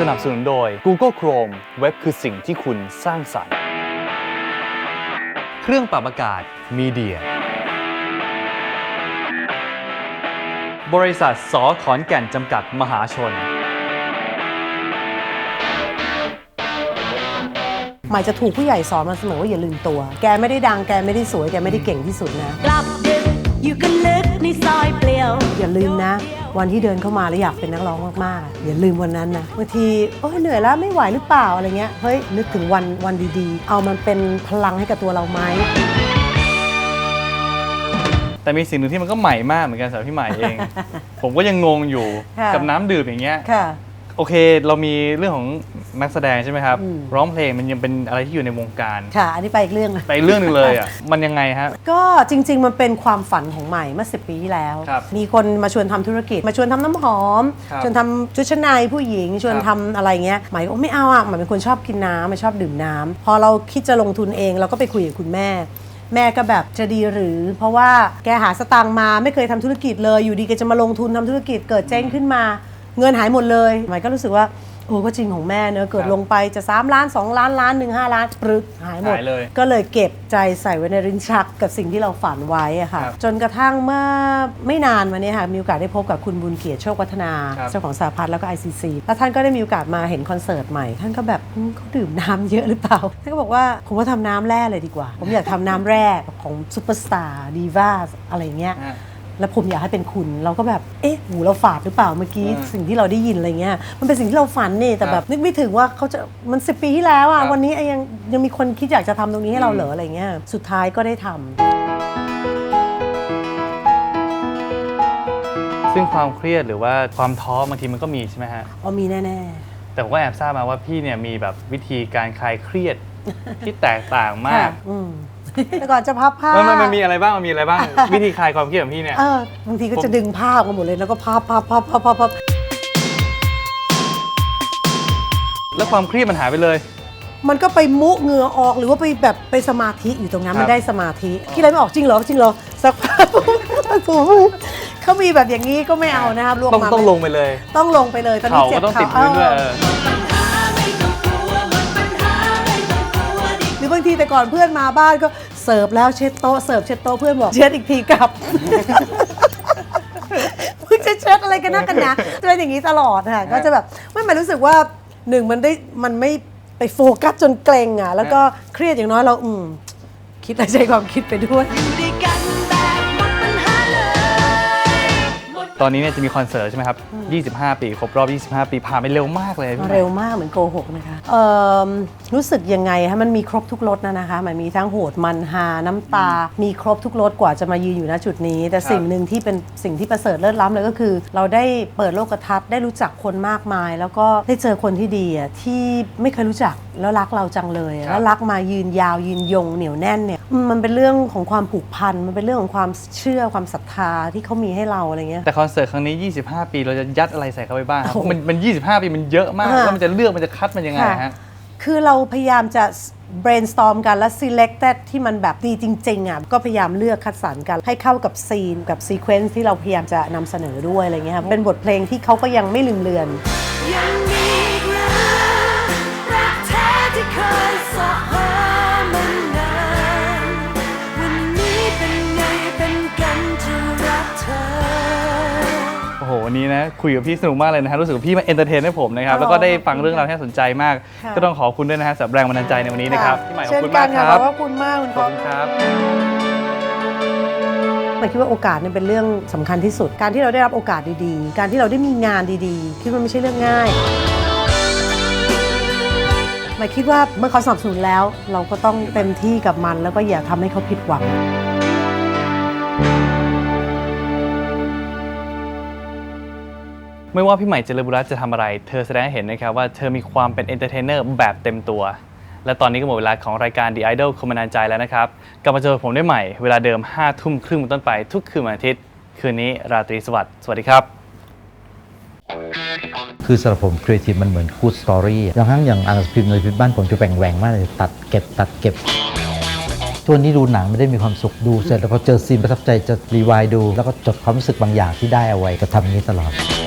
นับสนุนโดย Google Chrome เว็บคือสิ่งที่คุณสร้างสรรค์เครื่องปรับอากาศมีเดียบริษัทส.ขอนแก่นจำกัดมหาชนหมายจะถูกผู้ใหญ่สอนมาเสมอว่าอย่าลืมตัวแกไม่ได้ดังแกไม่ได้สวยแกไม่ได้เก่งที่สุดนะกลับดึกอยู่กันลึกในซอยเปลี่ยวอย่าลืมนะวันที่เดินเข้ามาแล้วอยากเป็นนักร้องมากๆอย่าลืมวันนั้นนะบางทีเหนื่อยแล้วไม่ไหวหรือเปล่าอะไรเงี้ยเฮ้ยนึกถึงวันดีๆเอามันเป็นพลังให้กับตัวเราไหมแต่มีสิ่งหนึ่งที่มันก็ใหม่มากเหมือนกันสำหรับพี่ใหม่เอง ผมก็ยังงงอยู่กับน้ำดื่มอย่างเงี้ยโอเคเรามีเรื่องของนักแสดงใช่ไหมครับร้องเพลงมันยังเป็นอะไรที่อยู่ในวงการค่ะอันนี้ไปอีกเรื่องไปเรื่องนึงเลยอ่ะมันยังไงฮะก็จริงๆมันเป็นความฝันของใหม่เมื่อ10 ปีที่แล้วมีคนมาชวนทำธุรกิจมาชวนทำน้ำหอมชวนทำชุดชั้นในผู้หญิงชวนทำอะไรเงี้ยใหม่ก็ไม่เอาอ่ะใหม่เป็นคนชอบกินน้ำไม่ชอบดื่มน้ำพอเราคิดจะลงทุนเองเราก็ไปคุยกับคุณแม่ก็แบบจะดีหรือเพราะว่าแกหาสตางค์มาไม่เคยทำธุรกิจเลยอยู่ดีแกจะมาลงทุนทำธุรกิจเกิดเจ๊งขึ้นมาเงินหายหมดเลยใหม่ก็รู้สึกว่าก็จริงของแม่เนอะเกิดลงไปจะ3 ล้าน2 ล้านล้าน1 5 ล้านปรึกหายหมดก็เลยเก็บใจใส่ไว้ในลิ้นชักกับสิ่งที่เราฝันไว้อะค่ะจนกระทั่งเมื่อไม่นานมานี้ค่ะมีโอกาสได้พบกับคุณบุญเกียรติโชควัฒนาเจ้าของสหพัฒน์แล้วก็ ICC แล้วท่านก็ได้มีโอกาสมาเห็นคอนเสิร์ตใหม่ท่านก็แบบเขาดื่มน้ำเยอะหรือเปล่าท่านก็บอกว่าผมว่าทำน้ำแร่เลยดีกว่าผมอยากทำน้ำแร่ของซุปเปอร์สตาร์ดีว่าอะไรเงี้ยแล้วผมอยากให้เป็นคุณเราก็แบบหูเราฝาดหรือเปล่าเมื่อกี้สิ่งที่เราได้ยินอะไรเงี้ยมันเป็นสิ่งที่เราฝันนี่แต่แบบนึกไม่ถึงว่าเขาจะมัน10 ปีที่แล้วอ่ะวันนี้ยังมีคนคิดอยากจะทำตรงนี้ให้เราเหรออะไรเงี้ยสุดท้ายก็ได้ทำซึ่งความเครียดหรือว่าความท้อบางทีมันก็มีใช่ไหมฮะมีแน่ๆแต่ผมก็แอบทราบมาว่าพี่เนี่ยมีแบบวิธีการคลายเครียดที่แตกต่างมากแต่ก่อนจะพับผ้ามันมีอะไรบ้างวิธีคลายความเครียดของพี่เนี่ยบางทีก็จะดึงผ้าออกมาหมดเลยแล้วก็พับแล้วความเครียดมันหายไปเลยมันก็ไปมุเหงื่อออกหรือว่าไปแบบไปสมาธิอยู่ตรงนั้นมันได้สมาธิคิดอะไรไม่ออกจริงเหรอสักพักเขามีแบบอย่างนี้ก็ไม่เอานะครับต้องลงไปเลยตอนนี้เจ็บต้องติดพื้นด้วยหรือบางทีแต่ก่อนเพื่อนมาบ้านก็เสิร์ฟแล้วเช็ดโต๊ะเพื่อนบอกเช็ดอีกทีกลับมึงจะเช็ดอะไรกันนักกันนะจะเป็นอย่างนี้ตลอดค่ะก็จะแบบไม่รู้สึกว่ามันไม่ไปโฟกัสจนเกรงอ่ะแล้วก็เครียดอย่างน้อยเราคิดใช้ความคิดไปด้วยตอนนี้เนี่ยจะมีคอนเสิร์ตใช่ไหมครับ25 ปีครบรอบ25 ปีผ่านไปเร็วมากเลยเร็วมากเหมือนโกหกนะคะรู้สึกยังไงคะมันมีครบทุกรสนะคะมันมีทั้งโหดมันฮาน้ำตามีครบทุกรสกว่าจะมายืนอยู่ณจุดนี้แต่สิ่งหนึ่งที่เป็นสิ่งที่ประเสริฐเลิศล้ำเลยก็คือเราได้เปิดโลกทัศน์ได้รู้จักคนมากมายแล้วก็ได้เจอคนที่ดีอ่ะที่ไม่เคยรู้จักแล้วรักเราจังเลยแล้วรักมายืนยาวยืนยงเหนียวแน่นเนี่ยมันเป็นเรื่องของความผูกพันมันเป็นเรื่องของความเชื่อความศรัทธาที่เขามีให้เราอะไรเงี้ยแต่คอนเสิร์ตครั้งนี้25 ปีเราจะยัดอะไรใส่เข้าไปบ้างครับมัน25 ปีมันเยอะมากแล้วมันจะเลือกมันจะคัดมันยังไงฮะคือเราพยายามจะ brainstorm กันและ selected ที่มันแบบดีจริงๆอ่ะก็พยายามเลือกคัดสรรกันให้เข้ากับซีนกับ sequence ที่เราพยายามจะนำเสนอด้วยอะไรเงี้ยเป็นบทเพลงที่เขาก็ยังไม่ลืมเลือนโอ้โหวันนี้นะคุยกับพี่สนุกมากเลยนะฮะรู้สึกว่าพี่มาเอนเตอร์เทนให้ผมนะครับแล้วก็ได้ฟังเรื่องราวที่น่าสนใจมากก็ต้องขอบคุณด้วยนะฮะสำหรับแรงบันดาลใจในวันนี้นะครับพี่ใหม่ขอบคุณมากครับขอบคุณมากขอบคุณครับหมายคิดว่าโอกาสเนี่ยเป็นเรื่องสำคัญที่สุดการที่เราได้รับโอกาสดีๆการที่เราได้มีงานดีๆคิดว่าไม่ใช่เรื่องง่ายหมายคิดว่าเมื่อเขาสนับสนุนแล้วเราก็ต้องเต็มที่กับมันแล้วก็อย่าทำให้เขาผิดหวังไม่ว่าพี่ใหม่เจริญบุรัตน์จะทำอะไรเธอแสดงให้เห็นนะครับว่าเธอมีความเป็นเอนเตอร์เทนเนอร์แบบเต็มตัวและตอนนี้ก็หมดเวลาของรายการ The Idol คนบันดาลใจแล้วนะครับกลับมาเจอผมได้ใหม่เวลาเดิม 5 ทุ่มครึ่งเป็นต้นไปทุกคืนวันอาทิตย์คืนนี้ราตรีสวัสดิ์สวัสดีครับคือสำหรับผมครีเอทีฟมันเหมือนกู๊ดสตอรี่บางครั้งอย่างอ่านหนังสือพิมพ์ในพิมพ์บ้านผมจะแหว่งมากเลยตัดเก็บตัวนี้ดูหนังไม่ได้มีความสุขดูเสร็จแล้วพอเจอซีนประทับใจจะรีไวด์ดูแล้วก็จดความรู้สึกบางอย่างที่ได้เอาไว้ก็ทำนี้ตลอด